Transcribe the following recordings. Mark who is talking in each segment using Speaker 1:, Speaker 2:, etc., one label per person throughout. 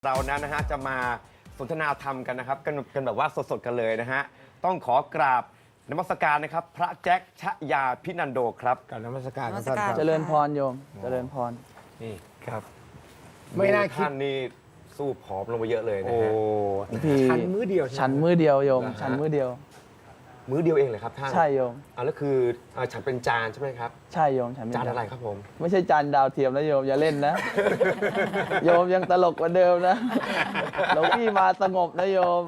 Speaker 1: เรานั้นนะฮะจะมาสนทนาธรรมกันนะครับกันแบบว่าสดๆกันเลยนะฮะต้องขอกราบนมัสการนะครับพระแจ็คชยาพินันโดครับ
Speaker 2: กับนมัสการ
Speaker 3: นมัส
Speaker 2: ท่าน
Speaker 3: การ
Speaker 2: ครับ
Speaker 4: เจริญพรโยม เจริญพร
Speaker 1: นี่
Speaker 2: ครับ ไม่น่าคิด
Speaker 1: ท่านนี่สู้ผอมลงไปเยอะเลยนะ
Speaker 2: โอ้
Speaker 1: ฮะ
Speaker 4: พี่
Speaker 2: ชันมื้อเดียวใช่ไหม
Speaker 4: ฉันมือเดียวโยม
Speaker 1: เหรอฮะ
Speaker 4: ฉันมือเดียว
Speaker 1: มื้อเดียวเองเลยครับท่าน
Speaker 4: ใช่โยม
Speaker 1: แล้วคือฉันเป็นจานใช่ไหมครับ
Speaker 4: ใช่โยม ฉันเป็น
Speaker 1: จานอะไรครับผม
Speaker 4: ไม่ใช่จานดาวเทียมนะโยม อย่าเล่นนะ โยมยังตลกกว่าเดิมนะหลวงพี่มาสงบนะโยม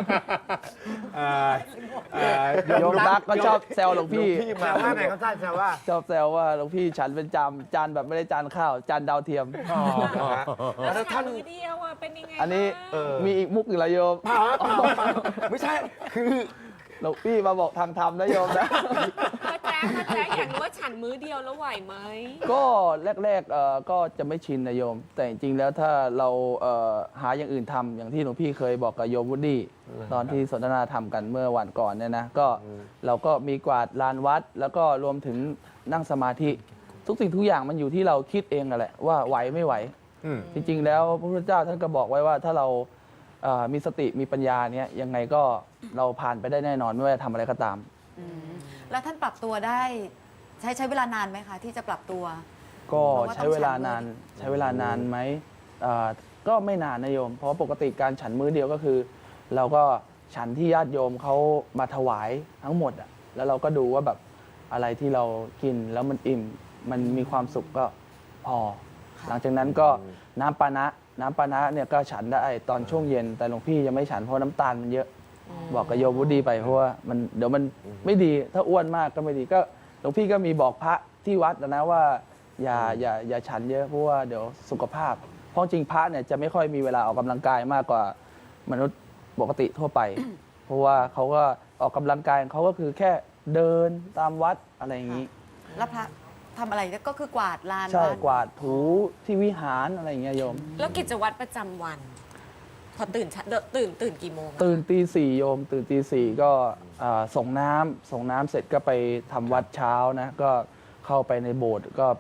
Speaker 4: โยมตั๊กก็ชอบแซวหลวงพี่
Speaker 2: แซวว่าไงครับท่านแซวว่า
Speaker 4: ชอบแซวว่าหลวงพี่ฉันเป็นจานแบบไม่ได้จานข้าว จานดาวเทียม
Speaker 1: นะฮะแล้วท่าน
Speaker 3: มือเดียวอ่ะเป็นยังไง
Speaker 4: อันนี้
Speaker 1: เออ
Speaker 4: มีอีกมุกหนึ่งละโยม
Speaker 1: ไม่ใช่คือ
Speaker 4: หลวงพี่มาบอกทางธรรมนะโยมนะ
Speaker 3: พระแจ๊คอยากรู้ว่าฉันมื้อเดียวแล้วไหวไหม
Speaker 4: ก็แรกๆก็จะไม่ชินนะโยม แต่จริงๆแล้วถ้าเราหาอย่างอื่นทำอย่างที่หลวงพี่เคยบอกกับโยมวุฒิตอนที่สนทนาธรรมกันเมื่อวันก่อนเนี่ยนะก็เราก็มีกวาดลานวัด แล้วก็รวมถึงนั่งสมาธิ ทุกสิ่งทุกอย่างมันอยู่ที่เราคิดเองนั่นแหละว่าไหวไม่ไหว จริงๆแล้วพระพุทธเจ้าท่านก็บอกไว้ว่าถ้าเรามีสติมีปัญญาเนี่ยยังไงก็เราผ่านไปได้แน่นอนไม่ว่าจะทำอะไรก็ตาม
Speaker 5: แล้วท่านปรับตัวได้ใช้เวลานานไหมคะ ที่จะปรับตัว
Speaker 4: ก็ใช้เวลานานใช้เวลานานไหมก็ไม่นานนะโยม เพราะปกติการฉันมื้อเดียวก็คือ เราก็ฉันที่ญาติโยมเขามาถวายทั้งหมดอ่ะแล้วเราก็ดูว่าแบบอะไรที่เรากินแล้วมันอิ่มมันมีความสุขก็พอ หลังจากนั้นก็น้ำปานะเนี่ยก็ฉันได้ตอนช่วงเย็น แต่หลวงพี่ยังไม่ฉันเพราะน้ำตาลมันเยอะ บอกกับโยมวุฒิไปเพราะว่ามันเดี๋ยวมันไม่ดีถ้าอ้วนมากก็ไม่ดีก็หลวงพี่ก็มีบอกพระที่วัดนะว่าอย่าฉันเยอะเพราะว่าเดี๋ยวสุขภาพ เพราะจริงพระเนี่ยจะไม่ค่อยมีเวลาออกกำลังกายมากกว่ามนุษย์ปกติทั่วไป เพราะว่าเขาก็ออกกำลังกายเขาก็คือแค่เดินตามวัดอะไรอย่างนี้
Speaker 5: แล้วพระทำอะไรก็คือกวาดลาน
Speaker 4: ใช่
Speaker 5: วัด
Speaker 4: กวาดถูที่วิหารอะไรอย่างเงี้ยโยม
Speaker 3: แล้วกิจวัตรประจำวัน พอตื่นกี่โมงอะ
Speaker 4: ตื่นตีสี่โยม ตื่นตีสี่ก็ส่งน้ำเสร็จก็ไปทำวัดเช้านะก็เข้าไปในโบสถ์ก็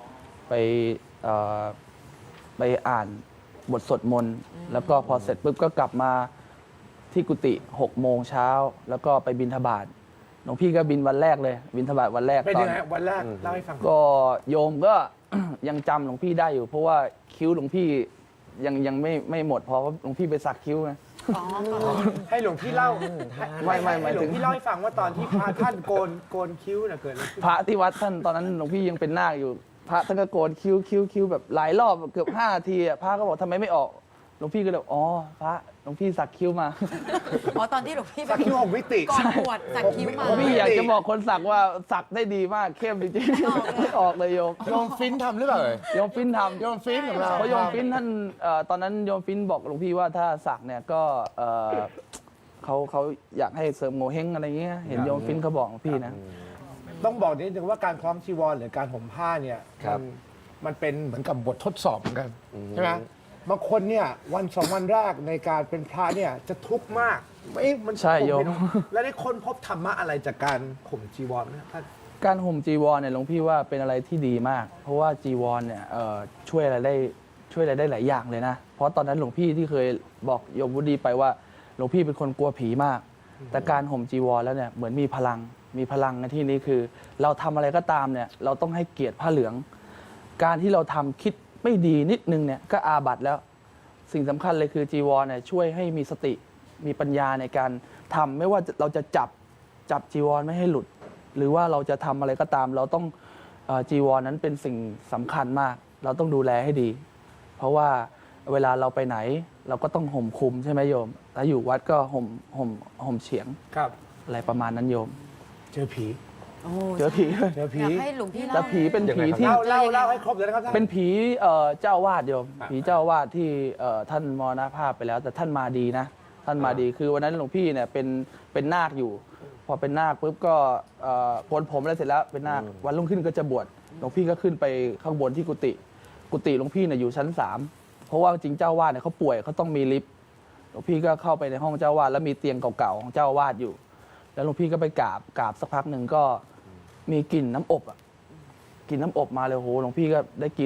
Speaker 4: ไปอ่านบทสวดมนต์แล้วก็พอเสร็จปุ๊บก็กลับมาที่กุฏิ6 โมงเช้าแล้วก็ไปบิณฑบาตหลวงพี่ก็บินวันแรกเลย บิณฑบาตวันแรก
Speaker 2: เป็น
Speaker 4: ตอ
Speaker 2: ยั
Speaker 4: น
Speaker 2: งไงวันแรกเล่าให้ฟัง
Speaker 4: ก็โยมก็ ยังจำหลวงพี่ได้อยู่ เพราะว่าคิ้วหลวงพี่ยังไม่หมดเพราะว่าหลวงพี่ไปสักคิ้วไง
Speaker 5: อ๋อ
Speaker 2: ให้หลวงพี่เล่า
Speaker 4: ไม่หมาย
Speaker 2: ให้หล
Speaker 4: ถึ
Speaker 2: วง
Speaker 4: ง
Speaker 2: พี่เล่าให้ฟังว่าตอนที่พระท่านโกนคิ้วน่ะเกิดอะไรขึ้น
Speaker 4: พระที่วัดท่านตอนนั้นหลวงพี่ยังเป็นนาคอยู่ พระท่านก็โกนคิ้วแบบหลายรอบเกือบ5 นาทีอะพระก็บอกทำไมไม่ออกหลวงพี่ก็เลยบอกอ๋อพระหลวงพี่สักคิ้วมา
Speaker 5: อ๋อตอนที่หลวงพี่
Speaker 2: สักคิ้ว6 มิติ
Speaker 5: ก่อนบวชสักคิ้วมา
Speaker 4: หลวงพี่อยากจะบอกคนสักว่าสักได้ดีมากเข้มจริงๆไม่ออกเลยโยม
Speaker 2: โยมฟินทำหรือเปล่า
Speaker 4: โยมฟินทำ
Speaker 2: โยมฟินของเรา
Speaker 4: เพราะโยมฟินท่านตอนนั้นโยมฟินบอกหลวงพี่ว่าถ้าสักเนี่ยก็เขาอยากให้เสริมโงเฮงอะไรเงี้ยเห็นโยมฟินเขาบอกหลวงพี่นะ
Speaker 2: ต้องบอกนิดนึงว่าการคล้องจีวรหรือการห่มผ้าเนี่ย
Speaker 1: ครับ
Speaker 2: มันเป็นเหมือนกับบททดสอบเหมือนกันใช่ไหมบางคนเนี่ยวัน2 วันแรกในการเป็นพระเนี่ยจะทุกข์มากมัน
Speaker 4: ใช่โยม
Speaker 2: ห่ไได้แล้วได้ค้นพบธรรมะอะไรจากการห่มจีวรไหมท่าน
Speaker 4: การห่มจีวรเนี่ยหลวงพี่ว่าเป็นอะไรที่ดีมาก เพราะว่าจีวรเนี่ยช่วยอะไรได้หลายอย่างเลยนะ เพราะตอนนั้นหลวงพี่ที่เคยบอกโยมวุฒิไปว่าหลวงพี่เป็นคนกลัวผีมาก แต่การห่มจีวรแล้วเนี่ยเหมือนมีพลังในที่นี้คือ เราทำอะไรก็ตามเนี่ยเราต้องให้เกียรติผ้าเหลือง การที่เราทำคิดไม่ดีนิดนึงเนี่ยก็อาบัติแล้ว สิ่งสำคัญเลยคือจีวรเนี่ยช่วยให้มีสติมีปัญญาในการทำไม่ว่าเราจะจับจีวรไม่ให้หลุด หรือว่าเราจะทำอะไรก็ตาม เราต้องจีวรนั้นเป็นสิ่งสำคัญมาก เราต้องดูแลให้ดี เพราะว่าเวลาเราไปไหนเราก็ต้องห่มคลุมใช่ไหมโยมถ้าอยู่วัดก็ห่มเฉียง
Speaker 2: ครับ
Speaker 4: อะไรประมาณนั้นโยม
Speaker 2: เจอผี
Speaker 5: โอ้
Speaker 4: เจอผี
Speaker 2: เจอผี
Speaker 5: อยากให้หลวงพี่
Speaker 4: แต่
Speaker 5: เล่า
Speaker 4: ผีเป็น
Speaker 1: ยังไง
Speaker 4: ผี
Speaker 1: ครับ
Speaker 4: ที่
Speaker 2: เล่าให้ครบเลยนะครับท่าน
Speaker 4: เป็นผีเจ้าอาวาสโยมผีเจ้าอาวาสที่ท่านมรณภาพไปแล้ว แต่ท่านมาดีนะ ท่านมาดีคือวันนั้นหลวงพี่เนี่ยเป็นนาคอยู่ พอเป็นนาคปุ๊บก็โกนผมอะไรเสร็จแล้วเป็นนาควันรุ่งขึ้นก็จะบวชหลวงพี่ก็ขึ้นไปข้างบนที่กุฏิหลวงพี่เนี่ยอยู่ชั้น 3เพราะว่าจริงเจ้าอาวาสเนี่ยเขาป่วยเขาต้องมีลิฟต์หลวงพี่ก็เข้าไปในห้องเจ้าอาวาสแล้วมีเตียงเก่าๆของเจ้าอาวาสอยู่ แล้วหลวงพี่ก็ไปกราบสักพักหนึ่งก็มีกลิ่นน้ำอบกลิ่นน้ำอบมาเลยโหหลวงพี่ก็ได้กลิ่นแล้ว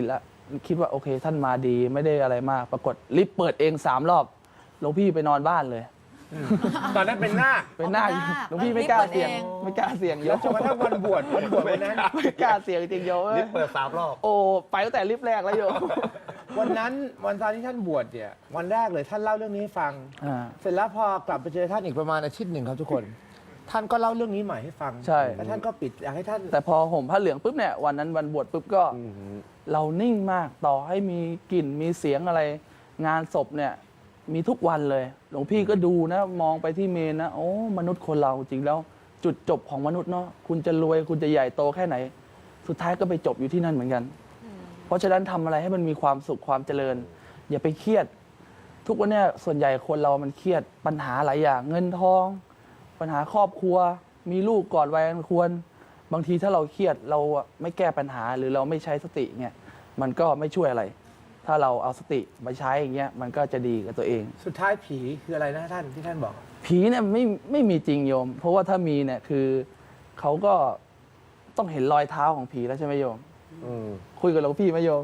Speaker 4: คิดว่าโอเค ท่านมาดีไม่ได้อะไรมาก ปรากฏลิฟต์เปิดเอง3 รอบหลวงพี่ไปนอนบ้านเลย
Speaker 2: ตอนนั้นเป็นหน้าค
Speaker 4: เป็นหน้า
Speaker 5: เป็นหน้าค
Speaker 4: หลวงพี่ไม่กล้าเสี่ยง
Speaker 5: ลิฟต์เปิดเอง
Speaker 4: ไม่กล้าเสี่ยงโย
Speaker 2: แล้ว
Speaker 4: ม
Speaker 2: จนกระทั่งวันบวชวันนั้น
Speaker 4: ไม่กล้าเสี่ยงจริงโยม
Speaker 1: ลิฟต์เปิด3 รอบ
Speaker 4: โอ้ไปตั้งแต่ลิฟต์แรกแล้วโยม
Speaker 2: วันนั้นวันตอนที่ท่านบวชเนี่ยวันแรกเลยท่านเล่าเรื่องนี้ให้ฟัง
Speaker 4: อ่า
Speaker 2: เสร็จแล้วพอกลับไปเจอท่านอีกประมาณอาทิตย์หนึ่งครับทุกคน ท่านก็เล่าเรื่องนี้ใหม่ให้ฟัง
Speaker 4: ใช่
Speaker 2: แล้วท่านก็ปิดอยากให้ท่าน
Speaker 4: แต่พอห่มผ้าเหลืองปุ๊บเนี่ยวันนั้นวันบวชปุ๊บก็เรานิ่งมากต่อให้มีกลิ่นมีเสียงอะไร งานศพเนี่ยมีทุกวันเลย หลวงพี่ก็ดูนะมองไปที่เมนนะโอ้มนุษย์คนเราจริงแล้ว จุดจบของมนุษย์เนาะคุณจะรวยคุณจะใหญ่โตแค่ไหน สุดท้ายก็ไปจบอยู่ที่นั่นเหมือนกัน เพราะฉะนั้นทำอะไรให้มันมีความสุขความเจริญ อย่าไปเครียด ทุกวันเนี้ส่วนใหญ่คนเรามันเครียดปัญหาหลายอย่างเงินทอง ปัญหาครอบครัว มีลูกก่อนวัยอันควร บางทีถ้าเราเครียดเราไม่แก้ปัญหาหรือเราไม่ใช้สติเนี่ยมันก็ไม่ช่วยอะไร ถ้าเราเอาสติมาใช้อย่างเงี้ยมันก็จะดีกับตัวเอง
Speaker 2: สุดท้ายผีคืออะไรนะท่านที่ท่านบอก
Speaker 4: ผีเนี่ยไม่มีจริงโยม เพราะว่าถ้ามีเนี่ยคือเขาก็ต้องเห็นรอยเท้าของผีแล้วใช่ไหมโยม
Speaker 1: อืม
Speaker 4: คุยกับหลวงพี่ไหมโยม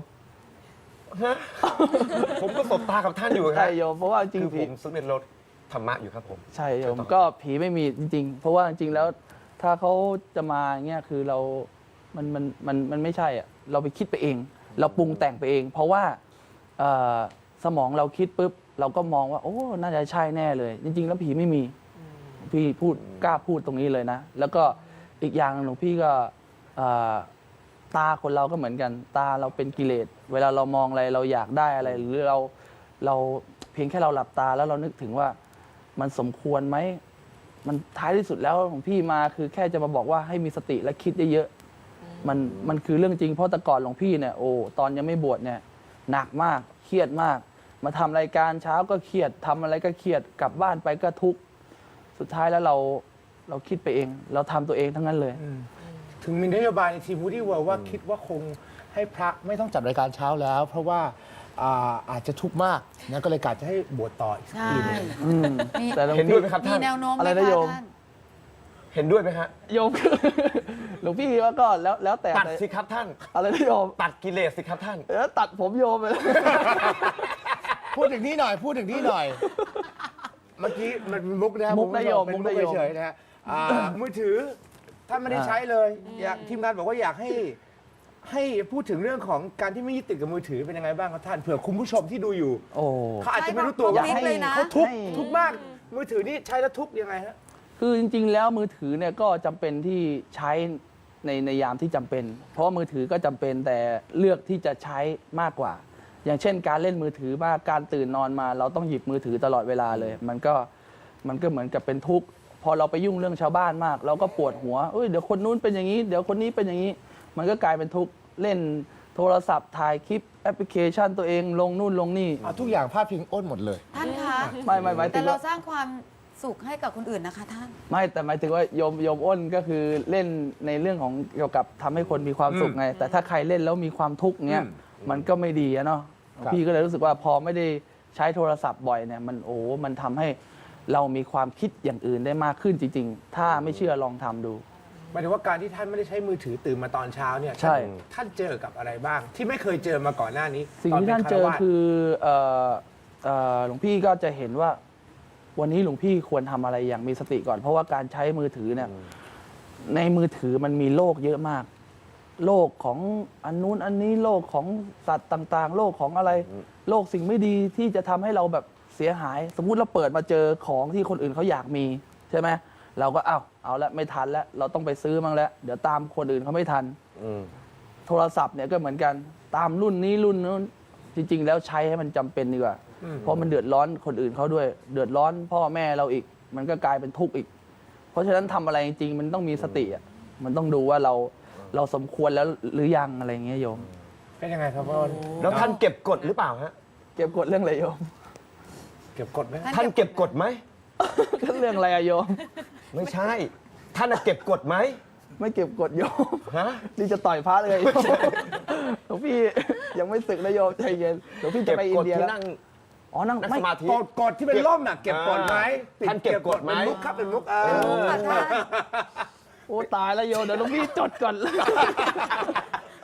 Speaker 1: ผมก็สบตากับท่านอยู่ครั
Speaker 4: ใช่
Speaker 1: บ
Speaker 4: โยมเพราะว่าจริง
Speaker 1: คือ
Speaker 4: ผี
Speaker 1: ผมซึ่งเป็นรถธรรมะอยู่ครับผม
Speaker 4: ใช่โยม
Speaker 1: ต่อ
Speaker 4: ก็ผีไม่มีจริง ๆ เพราะว่าจริงๆแล้วถ้าเขาจะมาเงี้ยคือเรามันไม่ใช่อ่ะเราไปคิดไปเอง เราปรุงแต่งไปเอง เพราะว่าสมองเราคิดปุ๊บเราก็มองว่าโอ้น่าจะใช่แน่เลย จริง ๆ แล้วผีไม่มีพี่พูดกล้าพูดตรงนี้เลยนะ แล้วก็อีกอย่างหลวงพี่ก็ตาคนเราก็เหมือนกัน ตาเราเป็นกิเลสเวลาเรามองอะไรเราอยากได้อะไร หรือเราเพียงแค่เราหลับตาแล้วเรานึกถึงว่ามันสมควรไหมมันท้ายที่สุดแล้วของพี่มาคือแค่จะมาบอกว่าให้มีสติและคิดเยอะๆมันคือเรื่องจริงเพราะแต่ก่อนหลวงพี่เนี่ยโอ้ตอนยังไม่บวชเนี่ยหนักมากเครียดมาก มาทำรายการเช้าก็เครียดทำอะไรก็เครียดกลับบ้านไปก็ทุกข์สุดท้ายแล้วเราคิดไปเอง เราทำตัวเองทั้งนั้นเลย
Speaker 2: ถึงมีนโยบายในทีมวูดี้เวิลด์ว่าคิดว่าคงให้พระไม่ต้องจัดรายการเช้าแล้ว เพราะว่าอาจจะทุกข์มากนะก็เลยกะจะให้บวชต่ออีกสัก
Speaker 5: ใช่
Speaker 2: ปีหนึง
Speaker 5: มี
Speaker 4: แต่หลวง
Speaker 1: เห็น
Speaker 4: พี่
Speaker 1: ด้วยไหมครับ
Speaker 5: มี
Speaker 1: ท่าน
Speaker 5: แนวโน้มไหม
Speaker 4: อะไรนะ
Speaker 5: คะ
Speaker 4: โยม
Speaker 5: ท่าน
Speaker 1: เห็นด้วยไหมฮะ
Speaker 4: โยม หลวงพี่ว่าก็แล้วแต่
Speaker 1: ตัดสิครับท่าน
Speaker 4: อะไรนะโยม
Speaker 1: ตัดกิเลสสิครับท่าน
Speaker 4: ตัดผมโยมไปเลย
Speaker 2: พูดถึงนี่หน่อย พูดถึงนี่หน่อย เมื่อกี้มันเป็นมุกนะครับ
Speaker 4: มุกนะโยม
Speaker 2: เป็น
Speaker 4: มุ
Speaker 2: มุ
Speaker 4: ก
Speaker 2: ก
Speaker 4: นะโยม
Speaker 2: เฉยๆนะฮะมือถือท่านไม่ได้ใช้เลยอยากทีมงานบอกว่าอยากให้พูดถึงเรื่องของการที่ไม่ยึดติดกับมือถือเป็นยังไงบ้างครับท่านเผื่อคุณผู้ชมที่ดูอยู่
Speaker 4: โอ้
Speaker 2: เขาอาจจะไม่รู้ตัวว่า
Speaker 5: ใช่เลยนะ
Speaker 2: เขาทุกข์
Speaker 4: ให้
Speaker 2: ทุกข์มาก มือถือนี่ใช้แล้วทุกข์ยังไงฮะ
Speaker 4: คือจริงๆ แล้วมือถือเนี่ยก็จำเป็นที่ใช้ในยามที่จำเป็น เพราะว่ามือถือก็จำเป็นแต่เลือกที่จะใช้มากกว่า อย่างเช่น การเล่นมือถือมากการตื่นนอนมา เราต้องหยิบมือถือตลอดเวลาเลย มันก็เหมือนกับเป็นทุกข์พอเราไปยุ่งเรื่องชาวบ้านมาก เราก็ปวดหัวเดี๋ยวคนนู้นเป็นอย่างนี้เดี๋ยวคนนี้เป็นอย่างนี้ มันก็กลายเป็นทุกข์เล่นโทรศัพท์ถ่ายคลิปแอปพลิเคชันตัวเองลงนู่นลงนี่
Speaker 2: ทุกอย่างพาดพิงอ้นหมดเลย
Speaker 5: ท่านคะ
Speaker 4: ไม่หมายถึ
Speaker 5: แต่
Speaker 4: ง
Speaker 5: เรา
Speaker 4: ว่า
Speaker 5: สร้างความสุขให้กับคนอื่นนะคะท่าน
Speaker 4: ไม่แต่หมายถึงว่าโยมอ้นก็คือเล่นในเรื่องของเกี่ยวกับทำให้คนมีความสุขไง แต่ถ้าใครเล่นแล้วมีความทุกข์เงี้ยมันก็ไม่ดีอะเนาะ
Speaker 2: ครับ
Speaker 4: พี่ก็เลยรู้สึกว่าพอไม่ได้ใช้โทรศัพท์บ่อยเนี่ยมันทำให้เรามีความคิดอย่างอื่นได้มากขึ้นจริง ๆ ถ้าไม่เชื่อลองทำดู
Speaker 2: หมายถึงว่าการที่ท่านไม่ได้ใช้มือถือตื่นมาตอนเช้าเนี่ย
Speaker 4: ใช่
Speaker 2: ท่านเจอกับอะไรบ้าง ที่ไม่เคยเจอมาก่อนหน้านี้
Speaker 4: สิ่ง
Speaker 2: ตป็
Speaker 4: ที่ท่านเจอ
Speaker 2: ฆรวส
Speaker 4: คือหลวงพี่ก็จะเห็นว่า วันนี้หลวงพี่ควรทำอะไรอย่างมีสติก่อน เพราะว่าการใช้มือถือเนี่ยในมือถือมันมีโลกเยอะมาก โลกของอันนู้นอันนี้โลกของสัตว์ต่างๆ โลกของอะไร โลกสิ่งไม่ดีที่จะทำให้เราแบบเสียหาย สมมุติเราเปิดมาเจอของที่คนอื่นเขาอยากมีใช่ไหมเราก็เอาละไม่ทันแล้วเราต้องไปซื้อมั้งแล้วเดี๋ยวตามคนอื่นเขาไม่ทัน โทรศัพท์เนี่ยก็เหมือนกันตามรุ่นนี้รุ่นนู้นจริง ๆ แล้วใช้ให้มันจำเป็นดีกว่า เพราะมันเดือดร้อนคนอื่นเขาด้วย เดือดร้อนพ่อแม่เราอีก มันก็กลายเป็นทุกข์อีก เพราะฉะนั้นทำอะไรจริงๆมันต้องมีสติอ่ะมันต้องดูว่าเราสมควรแล้วหรือยังอะไรอย่างเงี้ยโยม
Speaker 2: เป็นยังไงครับพ่อ
Speaker 1: แล้วท่านเก็บกดหรือเปล่าฮะ
Speaker 4: เก็บกดเรื่องอะไรโยม
Speaker 2: เก็บกดไหม
Speaker 1: ท่านเก็บกดไหม
Speaker 4: เรื่องอะไรอะโยม
Speaker 1: ไม่ใช่ ท่านน่ะเก็บกดไหม
Speaker 4: ไม่เก็บกดโยม
Speaker 1: ฮะ
Speaker 4: นี่จะต่อยพระเลยโยมหลวงพี่ยังไม่ศึกนะโยมใจเย็นหลวงพี่จะ
Speaker 1: เก็บ
Speaker 4: ไปอิ
Speaker 1: ก
Speaker 4: น
Speaker 1: ด
Speaker 4: เดีย
Speaker 1: ที่
Speaker 4: แล้ว
Speaker 1: นั่ง
Speaker 4: อ๋อนั่ง
Speaker 1: นั่ง
Speaker 4: ไม่
Speaker 1: สมาธิ
Speaker 2: กดที่เป็นร่มน่ะเก็บกดไหม
Speaker 1: ท่านเก็บกดไหม
Speaker 2: เป็นมุกครับเป็นมุก
Speaker 5: ค่ะท่าน
Speaker 4: โอ้ตายแล้วโยมเดี๋ยวหลวงพี่จดก่อน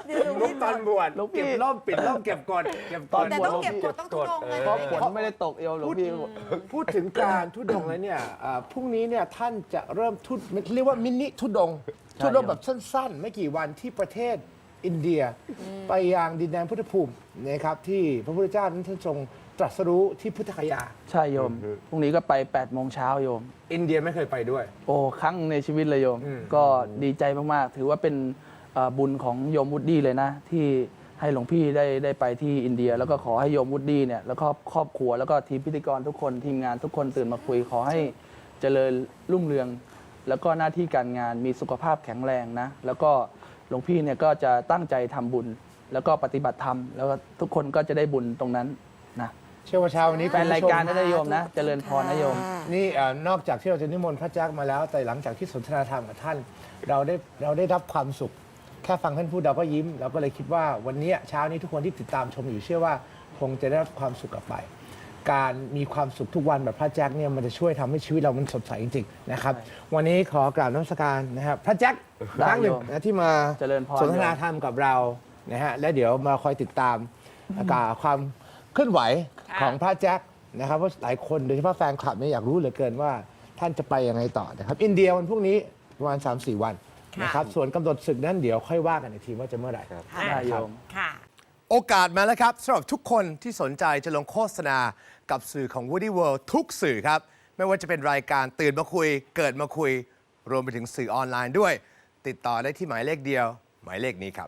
Speaker 2: มุกตอนบวช
Speaker 4: หลวงพี่
Speaker 2: เก็บร่มปิดร่มเก็บกดเก็บกด
Speaker 5: แต่ต้องเก็บกดต้องทุดงเลย
Speaker 4: เพราะฝนไม่ได้ตกโยมหลวงพี่
Speaker 2: พูดถึงการทุดงแล้วเนี่ยพรุ่งนี้เนี่ยท่านจะเริ่มเรียกว่ามินิทุดง
Speaker 4: ใช่
Speaker 2: ทุดงแบบสั้นๆ ไม่กี่วันที่ประเทศอินเดีย ไปยังดินแดนพุทธภูมินะครับที่พระพุทธเจ้านั้นท่านทรงตรัสรู้ที่พุทธคยา
Speaker 4: ใช่โยม พรุ่งนี้ก็ไป8 โมงเช้าโยม
Speaker 2: อินเดียไม่เคยไปด้วย
Speaker 4: โอ้ครั้งในชีวิตเลยโยม ก็ดีใจมากๆ ถือว่าเป็นบุญของโยมวุฒิเลยนะ ที่ให้หลวงพี่ได้ไปที่อินเดีย แล้วก็ขอให้โยมวุฒิเนี่ยแล้วก็ครอบครัวแล้วก็ทีมพิธีกรทุกคนทีมงานทุกคนตื่นมาคุย ขอให้เจริญรุ่งเรือง แล้วก็หน้าที่การงานมีสุขภาพแข็งแรงนะ แล้วก็หลวงพี่เนี่ยก็จะตั้งใจทำบุญ แล้วก็ปฏิบัติธรรมแล้วก็ทุกคนก็จะได้บุญตรงนั้นนะ
Speaker 2: เชื่อว่าเช้าวันนี้
Speaker 4: แฟนรายการนะโยมนะเจริญพรนะโยม
Speaker 2: นี่นอกจากที่เราจะนิมนต์พระแจ๊คมาแล้ว แต่หลังจากที่สนทนาธรรมกับท่าน เราได้รับความสุข แค่ฟังท่านพูดเราก็ยิ้ม เราก็เลยคิดว่าวันนี้เช้านี้ทุกคนที่ติดตามชมอยู่เชื่อว่าคงจะได้รับความสุขกลับไป การมีความสุขทุกวันแบบพระแจ๊คเนี่ยมันจะช่วยทำให้ชีวิตเรามันสดใสจริงๆนะครับวันนี้ขอกราบนมัสการนะครับพระแจ๊คครั้งหนึ่งนะที่มา
Speaker 4: เจริญพร
Speaker 2: สนทนาธรรมกับเรานะฮะและเดี๋ยวมาคอยติดตามความเคลื่อนไหวของพระแจ๊คนะครับเพราะหลายคนโดยเฉพาะแฟนคลับเนี่ยอยากรู้เหลือเกินว่าท่านจะไปยังไงต่อนะครับอินเดียวันพรุ่งนี้ประมาณ 3-4 วันนะครับส่วนกำหนดศึกนั้นเดี๋ยวค่อยว่ากันอีกทีว่าจะเมื่อไหร่ครับ
Speaker 4: ได้โยม
Speaker 3: ค่ะ
Speaker 2: โอกาสมาแล้วครับสำหรับทุกคนที่สนใจจะลงโฆษณากับสื่อของ Woody World ทุกสื่อครับ ไม่ว่าจะเป็นรายการตื่นมาคุย เกิดมาคุย รวมไปถึงสื่อออนไลน์ด้วย ติดต่อได้ที่หมายเลขเดียว หมายเลขนี้ครับ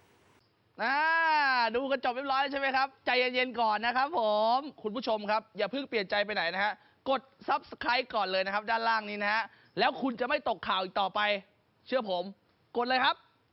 Speaker 6: ดูกันจบเรียบร้อยใช่ไหมครับ ใจเย็นๆก่อนนะครับผม คุณผู้ชมครับ อย่าเพิ่งเปลี่ยนใจไปไหนนะฮะ กด Subscribe ก่อนเลยนะครับ ด้านล่างนี้นะฮะ แล้วคุณจะไม่ตกข่าวอีกต่อไป เชื่อผม กดเลยครับ